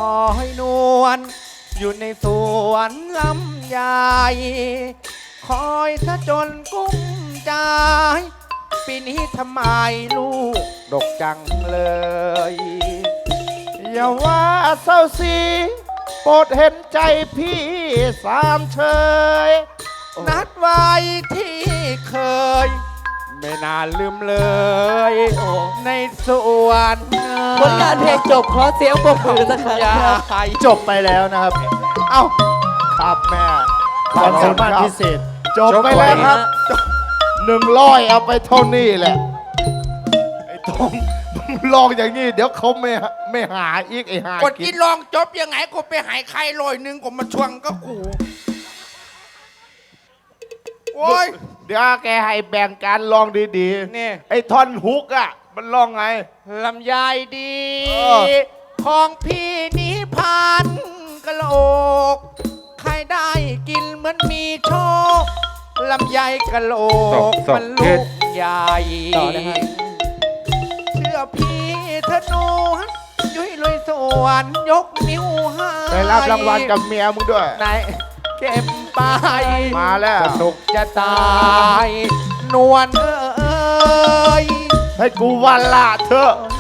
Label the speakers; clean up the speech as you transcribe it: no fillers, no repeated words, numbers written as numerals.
Speaker 1: อยนวลอยู่ในสวนลำไยคอยซะจนกุ้มใจปีนี้ทำไมลูกดกจังเลย
Speaker 2: อย่าว่าเศร้าสีโปรดเห็นใจพี่สามเชย
Speaker 1: นัดไว้ที่เคย ไม่นานลืมเลย ในสวน
Speaker 3: ผลงานเพลงจบขอเสียงปรบมือสักครั้ง
Speaker 1: ยา
Speaker 3: ครับ
Speaker 1: ย
Speaker 2: จบไปแล้วนะครับ
Speaker 1: เอ้า
Speaker 2: ครับแม่
Speaker 4: ความสามารถพิเศษ
Speaker 2: จบไปแล้วครับ100เอาไปเท่านี้แหละ ไอ้ทองลองอย่างนี้เดี๋ยวเขาไม่หาอีกไอ้หาก
Speaker 1: ดกินลองจบยังไงกูไปหายใคร100กูมาชวงก็กู โอ้ย
Speaker 2: เดี๋ยวแกให้แบ่งการลองดี
Speaker 1: นี่
Speaker 2: ๆ ไอ้ท่อนฮุกอ่ะ มันลองไง
Speaker 1: ลำไยดี
Speaker 2: เออ
Speaker 1: ของพี่นี้พันกะโหลก ใครได้กินเหมือนมีโชค ลำไยกะโหลก มันลูกใหญ่
Speaker 3: ต่อนะครับ
Speaker 1: เชื่อพี่เธอหนูยุ้ยลุยสวนยกนิ้วให้
Speaker 2: ได้รับรางวัลกับเมียมึงด้วย
Speaker 1: ไหนเก็บไป
Speaker 2: มาแล้ว
Speaker 1: สนุกจะตาย นวลเอ้ย
Speaker 2: ให้กูวันละเถอะ
Speaker 1: น